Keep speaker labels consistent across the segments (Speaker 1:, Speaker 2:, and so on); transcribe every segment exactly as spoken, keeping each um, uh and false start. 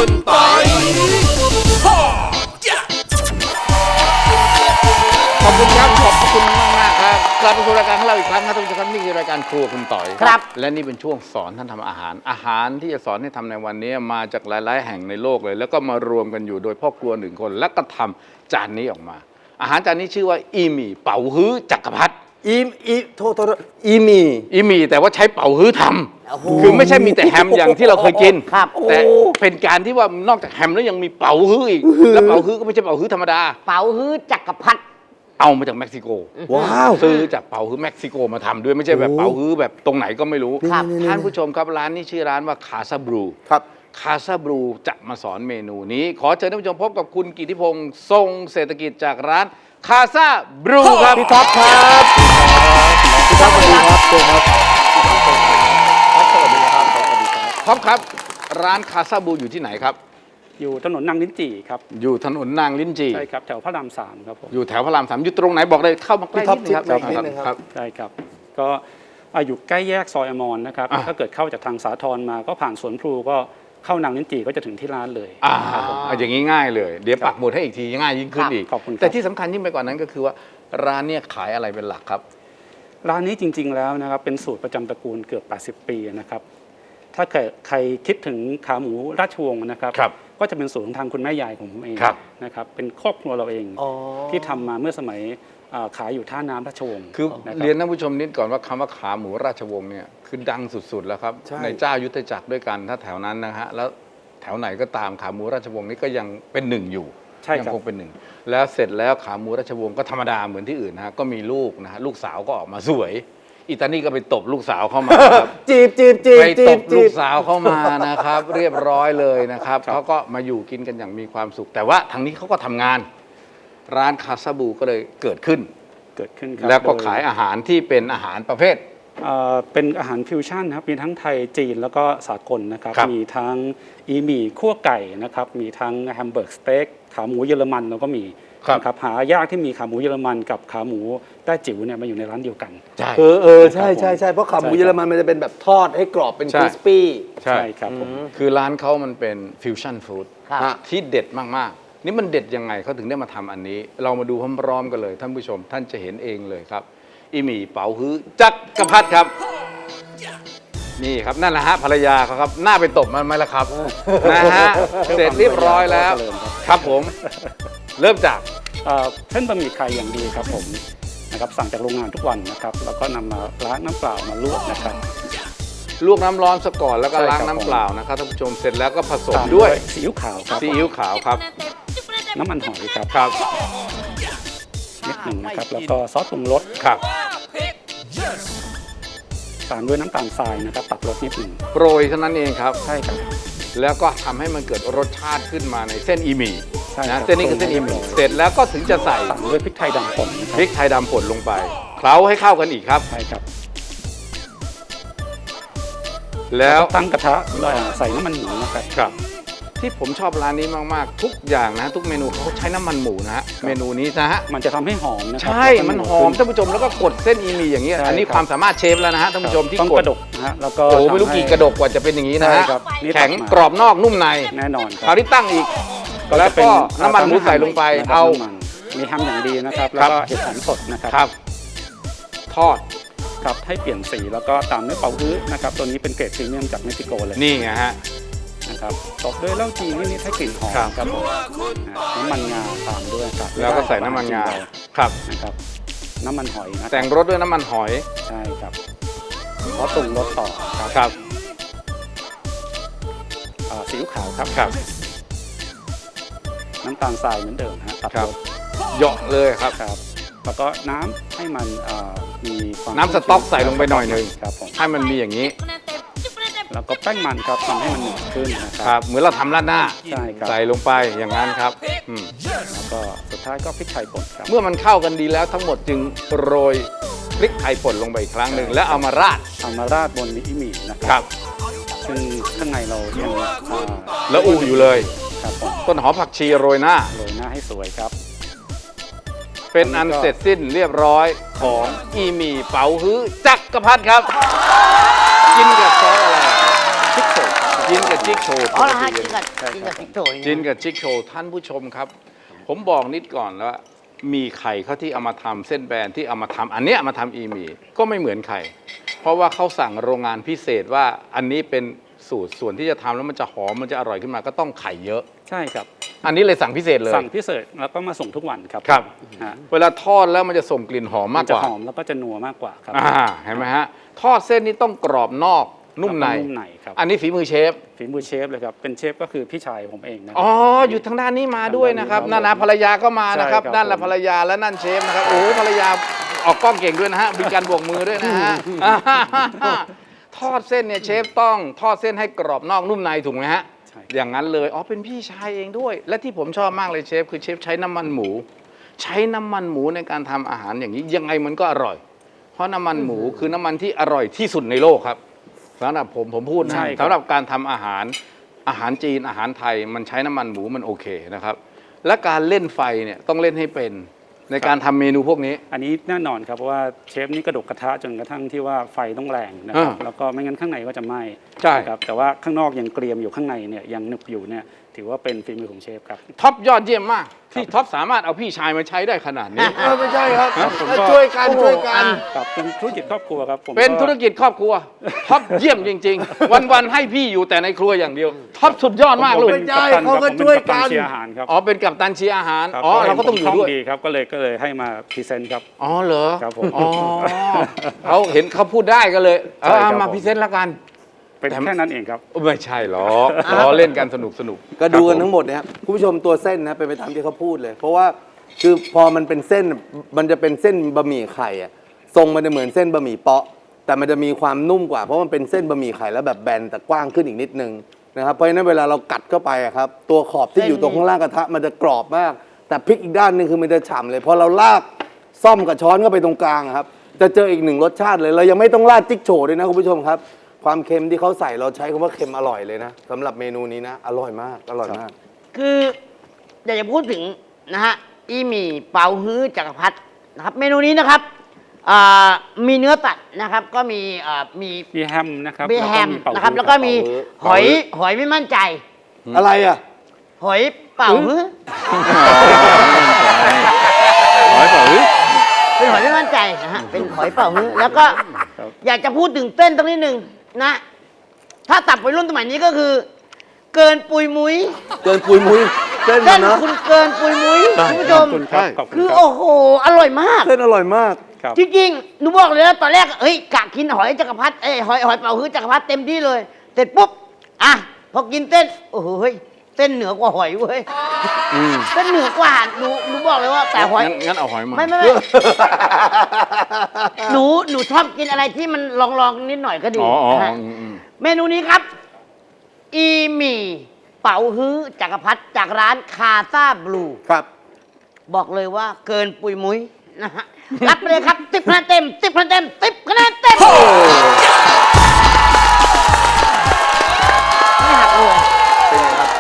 Speaker 1: คุณปอยขอบคุณครับขอบคุณมากมากครับกลับมาสู่รายการของเราอีกครั้งครับทุกท่านนี่คือรายการครัวคุณต่อย
Speaker 2: ครับ
Speaker 1: และนี่เป็นช่วงสอนท่านทำอาหารอาหารที่จะสอนให้ทำในวันนี้มาจากหลายๆแห่งในโลกเลยแล้วก็มารวมกันอยู่โดยพ่อครัวหนึ่งคนแล้วก็ทำจานนี้ออกมาอาหารจานนี้ชื่อว่าอีหมี่เป๋าฮื้อจักรพรรดิ
Speaker 3: อีอีโทษโทษอีหมี่
Speaker 1: อีหมี่แต่ว่าใช้เป๋าฮื้อทำคือไม่ใช่มีแต่แฮมอย่างที่เราเคยกินแต่เป็นการที่ว่านอกจากแฮมแล้วยังมีเป๋าฮื้ออีกแล้วเป๋าฮื้อก็ไม่ใช่เป๋าฮื้อธรรมดา
Speaker 2: เป๋าฮื้อจักรพรรดิ
Speaker 1: เอามาจากเม็กซิโก
Speaker 3: ว้าว
Speaker 1: ซื้อจากเป๋าฮื้อเม็กซิโกมาทำด้วยไม่ใช่แบบเป๋าฮื้อแบบตรงไหนก็ไม่รู้ท่านผู้ชมครับร้านนี้ชื่อร้านว่าคาซาบรู
Speaker 3: ครับ
Speaker 1: คาซาบรูจะมาสอนเมนูนี้ขอเชิญท่านผู้ชมพบกับคุณกิติพงศ์ทรงเศรษฐกิจจากร้านคาซาบรูครับ
Speaker 3: พี่ท็อปครับพี่ท็อปสวัสดีครับเชิญครับสวัสดีครับสวัสดีครับ
Speaker 1: ท็อปครับร้านคาซาบรูอยู่ที่ไหนครับ
Speaker 4: อยู่ถนนนางลิ้นจี่ครับ
Speaker 1: อยู่ถนนนางลิ้นจี่
Speaker 4: ใช่ครับแถวพระรามสามครับผม
Speaker 1: อยู่แถวพระรามสามอยู่ตรงไหนบอกเลยเข้ามาใกล้นิดนึงครับ
Speaker 3: ครับ
Speaker 4: ใช่ครับก็อยู่ใกล้แยกซอยอมรนะครับถ้าเกิดเข้าจากทางสาทรมาก็ผ่านสวนพลูก็เข้านางลิ้นจี่ก็จะถึงที่ร้านเลย
Speaker 1: อ่าอย่างนี้ง่ายเลยเดี๋ยวปักหมุดให้อีกทีง่ายยิ่งขึ้นอีก
Speaker 4: ขอบคุณ
Speaker 1: แต่ที่สำคัญยิ่งไปกว่านั้นก็คือว่าร้านเนี่ยขายอะไรเป็นหลักครับ
Speaker 4: ร้านนี้จริงๆแล้วนะครับเป็นสูตรประจำตระกูลเกือบแปดสิบปีนะครับถ้าใครคิดถึงขาหมูราชวงศ์นะครับก็จะเป็นสูตรของทางคุณแม่ยายของผมเองนะครับเป็นครอบครัวเราเองที่ทำมาเมื่อสมัยขายอยู่ท่าน้ำราชวงศ์
Speaker 1: คือเรียนท่านผู้ชมนิดก่อนว่าคำว่าขาหมูราชวงศ์เนี่ยคือดังสุดๆแล้วครับในเจ้ายุทธจักรด้วยกันถ้าแถวนั้นนะฮะแล้วแถวไหนก็ตามขาหมูราชวงศ์นี้ก็ยังเป็นหนึ่งอยู่ยังคงเป็นหนึ่งแล้วเสร็จแล้วขาหมูราชวงศ์ก็ธรรมดาเหมือนที่อื่นนะฮะก็มีลูกนะฮะลูกสาวก็ออกมาสวยอิตาลีก็ไปตบลูกสาวเข้ามา
Speaker 3: จีบจีบจีบ
Speaker 1: ไปตบลูกสาวเข้ามานะครับเรียบร้อยเลยนะครับเขาก็มาอยู่กินกันอย่างมีความสุขแต่ว่าทางนี้เขาก็ทำงานร้านคาซาบรูก็เลยเกิดขึ้น
Speaker 4: เกิดขึ้นครับ
Speaker 1: แล้วก็ขายอาหารที่เป็นอาหารประเภท
Speaker 4: เป็นอาหารฟิวชั่นครับมีทั้งไทยจีนแล้วก็สากลนะครับมีทั้งอีหมี่คั่วไก่นะครับมีทั้งแฮมเบอร์กสเต็กขาหมูเยอรมันแล้วก็มีครับหายากที่มีขาหมูเยอรมันกับขาหมูแต้จิ๋วเนี่ยมาอยู่ในร้านเดียวกัน
Speaker 1: ใช่
Speaker 3: เออเออใช่ใช่ใช่เพราะขาหมูเยอรมันมันจะเป็นแบบทอดให้กรอบเป็นคริสปี้
Speaker 1: ใช่ครับผมคือร้านเขามันเป็นฟิวชั่นฟู้ดที่เด็ดมากๆนี่มันเด็ดยังไงเขาถึงได้มาทำอันนี้เรามาดูพร้อมๆกันเลยท่านผู้ชมท่านจะเห็นเองเลยครับอีหมี่เป๋าฮื้อจักรพรรดิครับนี่ครับนั่นแหละฮะภรรยาเขาครับหน้าไปตบมันไหมล่ะครับนะฮะเสร็จเรียบร้อยแล้วครับผมเริ่มจาก
Speaker 4: เส้นบะหมี่ไข่อย่างดีครับผมนะครับสั่งจากโรงงานทุกวันนะครับแล้วก็นำมาล้างน้ำเปล่ามาลวกนะครับ
Speaker 1: ลวกน้ำร้อนซะก่อนแล้วก็ล้างน้ำเปล่านะครับท่านผู้ชมเสร็จแล้วก็ผสมด้วย
Speaker 4: ซีอิ๊วขาวครับ
Speaker 1: ซีอิ๊วขาวครับ
Speaker 4: น้ำมันหอยครับ
Speaker 1: ครับ
Speaker 4: นิดหนึ่งนะครับแล้วก็ซอสปรุงรส
Speaker 1: ครับ
Speaker 4: ตามด้วยน้ำตาลทรายนะครับตัดรสนิดหนึ่ง
Speaker 1: โปรยเท่านั้นเองครับ
Speaker 4: ใช่ครับ
Speaker 1: แล้วก็ทำให้มันเกิดรสชาติขึ้นมาในเส้นอีหมี่นะเส้นนี้คือเส้นอีหมี่เสร็จแล้วก็ถึงจะใส่
Speaker 4: ตามด้วยพริกไทยดำป่น
Speaker 1: พริกไทยดำป่นลงไปเคล้าให้เข้ากันอีกครับ
Speaker 4: ใช่ครับ
Speaker 1: แล้ว
Speaker 4: ตั้งกระทะใส่น้ำมันหมูนะครับ
Speaker 1: ครับที่ผมชอบร้านนี้มากๆทุกอย่างนะทุกเมนูเขาใช้น้ำมันหมูนะฮะเมนูนี้นะฮะ
Speaker 4: มันจะทำให้หอมนะ
Speaker 1: ใช่มันหอมท่านผู้ชมแล้วก็กดเส้นอีหมี่อย่างเงี้ยอันนี้ความสามารถเชฟแล้วนะฮะท่านผู้ชมที่
Speaker 4: กดกระดกนะฮะแล้วก็
Speaker 1: โอ้ไม่รู้กี่กระดกกว่าจะเป็นอย่างนี้นะฮะแข็งกรอบนอกนุ่มใน
Speaker 4: แน่นอน
Speaker 1: คราวที่ตั้งอีกแล้วก็น้ำมันหมูใส่ลงไปเอา
Speaker 4: มีทำอย่างดีนะครับแล้วก็เห็ดหอมสดนะครับ
Speaker 1: ทอด
Speaker 4: ครับให้เปลี่ยนสีแล้วก็ตามด้วยเป๋าฮื้อนะครับตัวนี้เป็นเกรดพรีเมียมจากเม็กซิโกเลย
Speaker 1: นี่ไงฮะ
Speaker 4: นะครับตบด้วยเหล้าจีนนิดๆให้กลิ่นหอมครับผมน้ำมันงาตามด้วยครับ
Speaker 1: แล้วก็ใส่น้ำมันงาครับ
Speaker 4: นะครับน้ำมันหอยนะ
Speaker 1: แต่งรสด้วยน้ำมันหอย
Speaker 4: ใช่ครับเพราะปรุงรสต่อครับ
Speaker 1: ครับ
Speaker 4: ซีอิ๊วขาวครับ
Speaker 1: ครับ
Speaker 4: น้ำตาลทรายเหมือนเดิมฮะตัดรส
Speaker 1: เหยาะเลยครับ
Speaker 4: ครับแล้วก็น้ำให้มันมีความ
Speaker 1: น้ำสต๊อกใส่ลงไปหน่อยหนึ่ง
Speaker 4: ครับผม
Speaker 1: ให้มันมีอย่างนี้
Speaker 4: แล้วก็แป้งมันครับทำให้มันหนืดขึ้น
Speaker 1: นะครับเหมือนเราทำราดหน้า
Speaker 4: ใช่ครับ
Speaker 1: ใส่ลงไปอย่างนั้นครับ
Speaker 4: แล้วก็สุดท้ายก็พริกไทยป่นครับ
Speaker 1: เมื่อมันเข้ากันดีแล้วทั้งหมดจึงโรยพริกไทยป่นลงไปอีกครั้งหนึ่งแล้วเอามาราด
Speaker 4: เอามาราดบนอีหมี่นะครับซึ่งข้างในเรายัง
Speaker 1: แล้วอูอยู่เลย
Speaker 4: ครับ
Speaker 1: ต้นหอมผักชีโรยหน้า
Speaker 4: โรยหน้าให้สวยครับ
Speaker 1: เป็นอันเสร็จสิ้นเรียบร้อยของอีหมี่เป๋าฮื้อจักรพรรดิครับกินกับซอสอะไร
Speaker 4: พริกสด
Speaker 1: กินกับจิ๊กโชว์
Speaker 2: อ๋อเหรอฮะกินกับกินกับจิ๊กโชว์
Speaker 1: จินกับจิ๊กโชว์ท่านผู้ชมครับ ผมบอกนิดก่อนว่ามีไข่เขาที่เอามาทำเส้นแบนที่เอามาทำอันเนี้ยเอามาทำอีหมี่ก็ไม่เหมือนไข่เพราะว่าเขาสั่งโรงงานพิเศษว่าอันนี้เป็นสูตรส่วนที่จะทำแล้วมันจะหอมมันจะอร่อยขึ้นมาก็ต้องไข่เยอะ
Speaker 4: ใช่ครับ
Speaker 1: อันนี้เลยสั่งพิเศษเลย
Speaker 4: สั่งพิเศษแล้วก็มาส่งทุกวันครับ
Speaker 1: ครับ
Speaker 4: ฮะ
Speaker 1: เวลาทอดแล้วมันจะส่งกลิ่นหอมมาก
Speaker 4: จะ
Speaker 1: กว่า
Speaker 4: หอมแล้วก็จะนัวมากกว่าครับ
Speaker 1: อ่าเห็นไหมฮะทอดเส้นนี้ต้องกรอบนอกนุ่มใน
Speaker 4: แล้วก็นุ่มในครับ
Speaker 1: อันนี้ฝีมือเชฟ
Speaker 4: ฝีมือเชฟเลยครับเป็นเชฟก็คือพี่ชายผมเองนะ
Speaker 1: อ๋อ อยู่ทางด้านนี้มาด้วยนะครับ
Speaker 4: ครับ
Speaker 1: นั่นนะภรรยาก็มานะครับ
Speaker 4: ใช่ครับ
Speaker 1: นั่นแหละ
Speaker 4: ผม
Speaker 1: ภรรยาและนั่นเชฟนะครับ โอ้โหภรรยาออกกล้องเก่งด้วยนะฮะ มีการบวกมือด้วยนะฮะ ทอดเส้นเนี่ยเชฟต้องทอดเส้นให้กรอบนอกนุ่มในถูกไหมฮะ
Speaker 4: ใช่
Speaker 1: อย่างนั้นเลย อ๋อ เป็นพี่ชายเองด้วย และที่ผมชอบมากเลยเชฟคือเชฟใช้น้ำมันหมู ใช้น้ำมันหมูในการทำอาหารอย่างนี้ยังไงมันก็อร่อย เพราะน้ำมันหมูคือน้ำมันที่อร่อยที่สุดในโลกครับสำหรับผมผมพูดนะ
Speaker 4: ใช่ครับ
Speaker 1: สำหรับการทำอาหารอาหารจีนอาหารไทยมันใช้น้ำมันหมูมันโอเคนะครับ และการเล่นไฟเนี่ยต้องเล่นให้เป็นในการทำเมนูพวกนี้
Speaker 4: อันนี้แน่นอนครับเพราะว่าเชฟนี่กระดกกระทะจนกระทั่งที่ว่าไฟต้องแรงนะครับ
Speaker 1: อ่า
Speaker 4: แล้วก็ไม่งั้นข้างในก็จะไหม้
Speaker 1: ใช่
Speaker 4: นะครับแต่ว่าข้างนอกยังเกรียมอยู่ข้างในเนี่ยยังหนึบอยู่เนี่ยถือว่าเป็นฝีมือของเชฟครับ
Speaker 1: ท็อปยอดเยี่ยมมาก ที่ท็อปสามารถเอาพี่ชายมาใช้ได้ขนาดนี้
Speaker 3: เออไม่ใช่ครับ
Speaker 4: ผมก็
Speaker 3: ช่วยกันช่วยกัน
Speaker 4: ครับเป็นธุรกิจครอบครัวครับผม
Speaker 1: เป็นธุรกิจครอบครัวท็อปเยี่ยมจริง ๆ วันๆให้พี่อยู่แต่ในครัวอย่างเดียวท็อปสุดยอดมาก
Speaker 4: ผม
Speaker 1: ลูก
Speaker 4: เป็น
Speaker 3: ไม่ใช่
Speaker 4: กัปตัน
Speaker 3: เขาก็
Speaker 4: ครับผม
Speaker 3: ช่วย
Speaker 4: เป็
Speaker 3: กัน
Speaker 4: ปตัเชียร์อาหารครับ
Speaker 1: อ๋อเป็นกัปตันเชียร์อาหาร
Speaker 4: ครับ
Speaker 1: อ๋อเราก็ต้องอยู่ด้วย
Speaker 4: ดีครับก็เลยก็เลยให้มาพรีเซนต์ครับ
Speaker 1: อ๋อเหรอ
Speaker 4: ครับผม
Speaker 1: อ๋อเขาเห็นเขาพูดได้ก็เลย
Speaker 4: ใช่ครับ
Speaker 1: เอามา
Speaker 4: ผม
Speaker 1: พรีเซนต์ละกัน
Speaker 4: เป็นแค่นั้นเองครับ
Speaker 1: ไม่ใช่หรอกล้อเล่นกันสนุกสนุก
Speaker 3: ก็ดูกัน
Speaker 1: ครับผม
Speaker 3: ทั้งหมดนะครับคุณผู้ชมตัวเส้นนะเป็นไปตามที่เขาพูดเลย เพราะว่าคือพอมันเป็นเส้นมันจะเป็นเส้นบะหมี่ไข่อะทรงมันจะเหมือนเส้นบะหมี่เปาะ แต่มันจะมีความนุ่มกว่าเพราะมันเป็นเส้นบะหมี่ไข่แล้วแบบแบนแต่กว้างขึ้นอีกนิดนึงนะครับเพราะฉะนั้นเวลาเรากัดเข้าไปอะครับตัวขอบที่อยู่ตรงข้างล่างกระทะมันจะกรอบมาก แต่พลิกอีกด้านหนึงคือมันจะฉ่ำเลยพอเราลากซ่อมกับช้อนเข้าไปตรงกลางอะครับจะเจออีกหนึ่งรสชาติเลยเรายังไม่ต้องราดจิ๊กโฉวด้วยนะคุณผู้ชมครับ ความเค็มที่เขาใส่เราใช้คำว่าเค็มอร่อยเลยนะสำหรับเมนูนี้นะ อร่อยมากอร่อยมาก
Speaker 2: คืออยากจะพูดถึงนะฮะอีหมี่เปาฮื้อจักรพรรดินะครับเมนูนี้นะครับอ่ามีเนื้อสัตว์นะครับ ก็มีอ่ามี
Speaker 4: มีแฮมนะครับ
Speaker 2: มีแฮม
Speaker 4: เป่า
Speaker 2: นะครับ
Speaker 4: ฮื้อ
Speaker 2: แล้วก็มี
Speaker 3: เป่าฮื้อ
Speaker 2: หอยหอยไม่มั่นใจ
Speaker 3: อะไรอ่ะ
Speaker 2: หอยเป่าฮื้อ
Speaker 1: หอยเปล่าหรือ
Speaker 2: เป็นหอยไม่มั่นใจนะฮะเป็นหอยเป่าฮื้อแล้วก็อยากจะพูดถึงเต้นตรงนี้หนึ่งนะ ถ้าตับวัยรุ่นสมัยนี้ก็คือ เกินปุยมุ้ย
Speaker 3: เกินปุยมุ้ยเส้น
Speaker 2: เต้น
Speaker 3: นะ
Speaker 2: คุณเกินปุยมุ้ยคุณผู้ช
Speaker 4: ขอ
Speaker 2: ม
Speaker 4: บคุณครับขอบคุณ
Speaker 2: คือ
Speaker 4: ครับ
Speaker 2: โอ้โหอร่อยมาก
Speaker 3: เส้นอร่อยมาก
Speaker 4: ครับ
Speaker 2: จริงๆ หนูบอกเลยนะตอนแรก เฮ้ยกะกินหอยจักรพรรดิเอ้ยหอยหอยเป่าฮื้อจักรพรรดิเต็มที่เลย เสร็จปุ๊บ อ่ะ พอกินเต้น โอ้โหเฮ้ยเต้นเหนือกว่าหอยเว้ยเต้นเหนือกว่า หนูหนูบอกเลยว่าแต่หอย
Speaker 1: งั้นงั้นเอาหอยมา
Speaker 2: ไม่ไม่ไม่ หนู หนูชอบกินอะไรที่มันลองลองๆนิดหน่อยก็ดี
Speaker 1: อ๋ออ๋อ
Speaker 2: นะฮะ
Speaker 1: อืมอืม
Speaker 2: เมนูนี้ครับ อีหมี่เป๋าฮื้อจักรพรรดิจากร้านคาซาบลู
Speaker 3: ครับ
Speaker 2: บอกเลยว่าเกินปุยมุ้ยนะฮะ รับไปเลยครับสิบคะแนนเต็มสิบคะแนนเต็มสิบคะแนนเต็มไม่หักเลย
Speaker 3: เป็นไงครับ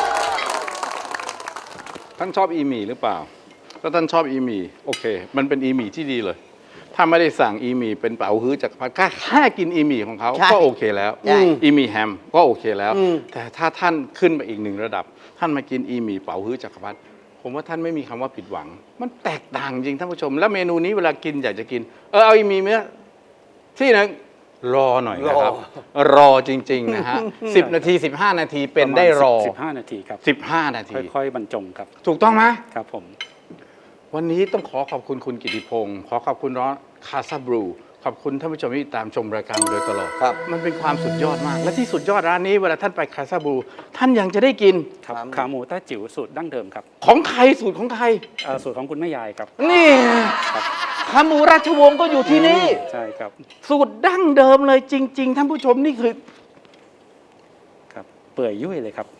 Speaker 1: ท่านชอบอีหมี่หรือเปล่า ถ้าท่านชอบอีหมี่โอเค มันเป็นอีหมี่ที่ดีเลย ถ้าไม่ได้สั่งอีหมี่เป็นเป๋าฮื้อจากรพรรดิแค่กินอีหมี่ของเขา
Speaker 2: ใช่
Speaker 1: ก็โอเคแล้ว
Speaker 2: ใช่
Speaker 1: อีหมี่แฮมก็โอเคแล้ว
Speaker 3: อืม
Speaker 1: แต่ถ้าท่านขึ้นไปอีกหนึ่งระดับ ท่านมากินอีหมี่เป๋าฮื้อจากรพรรดิผมว่าท่านไม่มีคำว่าผิดหวัง มันแตกต่างจริงท่านผู้ชม แล้วเมนูนี้เวลากินอยากจะกิน เออเอาอีหมี่เนื้อที่หนึงรอหน่อยนะครับ รอจริง ๆ นะฮะสิบนาทีสิบห้านาทีเป็นได้รอ
Speaker 4: สิบห้านาทีครับ
Speaker 1: สิบห้านาที
Speaker 4: ค่อยๆบรรจงครับ
Speaker 1: ถูกต้องไหม
Speaker 4: ครับผม
Speaker 1: วันนี้ต้องขอขอบคุณคุณกิติพงศ์ขอขอบคุณร้านคาซาบรูขอบคุณท่านผู้ชมที่ติดตามชมรายการมาโดยตลอด
Speaker 3: ครับ
Speaker 1: มันเป็นความสุดยอดมาก และที่สุดยอดร้านนี้เวลาท่านไปคาซาบรูท่านยังจะได้กิน
Speaker 4: ครับ
Speaker 3: ครับ
Speaker 4: ขาหมูแต้จิ๋วสูตรดั้งเดิมครับ
Speaker 1: ของใครสูตรของใคร
Speaker 4: เอ่อสูตรของคุณแม่ยายครับ
Speaker 1: นี่ขาหมูราชวงศ์ก็อยู่ที่นี่
Speaker 4: ใช่ครับ
Speaker 1: สูตรดั้งเดิมเลยจริง ๆ ท่านผู้ชมนี่คือ
Speaker 4: ครับ เปื่อยยุ่ยเลยครับ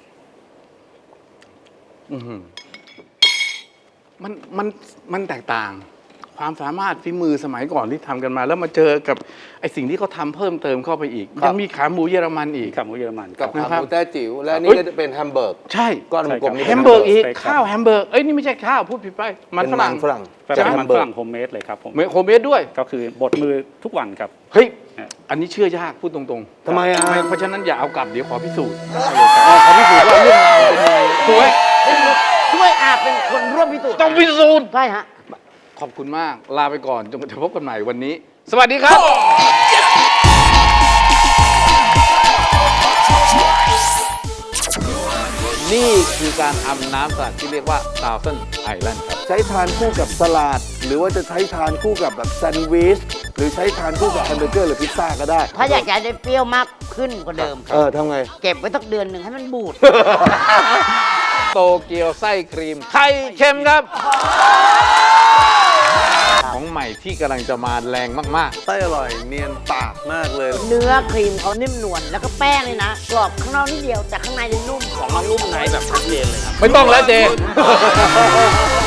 Speaker 1: อื้อหือมันมันมันแตกต่าง ความสามารถฝีมือสมัยก่อนที่ทำกันมา แล้วมาเจอกับไอสิ่งที่เขาทำเพิ่มเติมเข้าไปอีก
Speaker 3: ครับ
Speaker 1: ยังมีขาหมูเยอรมันอีก
Speaker 4: ขาหมูเยอรมันค
Speaker 3: กั
Speaker 4: รั
Speaker 3: บบ ขา
Speaker 1: นะครับ
Speaker 3: หมูแต้จิ๋วและอันนี่
Speaker 1: เฮ้ย
Speaker 3: ก็จะเป็นแฮมเบอร์ก
Speaker 1: ใช่
Speaker 3: ก้อนกลมๆนี่
Speaker 1: แฮ
Speaker 3: ป็น
Speaker 1: มเบอร์กอีก
Speaker 4: สเต็กครับ
Speaker 1: ข้าวแฮมเบอร์กเอ้ยนี่ไม่ใช่ข้าวพูดผิดไปมัน
Speaker 3: เป็น
Speaker 1: ฝรั่ง
Speaker 3: ฝรั่ง
Speaker 4: เป็น
Speaker 3: จาก
Speaker 4: อา
Speaker 3: แฮ
Speaker 4: หาร
Speaker 3: มเบอ
Speaker 4: ฝ
Speaker 3: ร์
Speaker 4: รั่
Speaker 3: ก
Speaker 4: งโฮมเมดเลยครับผม
Speaker 1: เมโครเมดด้วย
Speaker 4: ก็คือบดมือทุกวันครับ
Speaker 1: เฮ้ย
Speaker 4: นะ
Speaker 1: อันนี้เชื่อยากพูดตรงๆ
Speaker 3: ทำไมอ่ะ
Speaker 1: เพราะฉะนั้นอย่าเอากลับเดี๋ยวขอพิสูจน์ขอพิสูจน์ว่าเรื่องราวเป็นยังไงถูกไหม
Speaker 2: ช่วยอาเป็นคนร่วมพิสูจน์
Speaker 1: ต้องพิสูจน์
Speaker 2: ใช่ฮะ
Speaker 1: ขอบคุณมากลาไปก่อนจนกว่าจะพบกันใหม่วันนี้ สวัสดีครับ นี่คือการทำน้ำสลัดที่เรียกว่า Thousand Island ครับ
Speaker 3: ใช้ทานคู่กับสลัดหรือว่าจะใช้ทานคู่กับแบบแซนด์วิชหรือใช้ทานคู่กับแฮมเบอร์เกอร์หรือพิซซ่าก็ได้
Speaker 2: ถ้าอยากจะได้เปรี้ยวมากขึ้นกว่าเดิม
Speaker 3: เออทำไง
Speaker 2: เก็บไว้สักเดือนหนึ่งให้มันบูด
Speaker 1: โตเกียวไส้ครีม ไข่เค็มครับ ของใหม่ที่กำลังจะมาแรงมาก
Speaker 3: ไส้อร่อยเนียนปากมากเลย
Speaker 2: เนื้อครีมเขานิ่มนวลแล้วก็แป้งเลยนะกรอบข้างนอกนิดเดียวแต่ข้างในเนี่ยนุ่ม
Speaker 1: ๆ ไม่ต้องแล้วเจ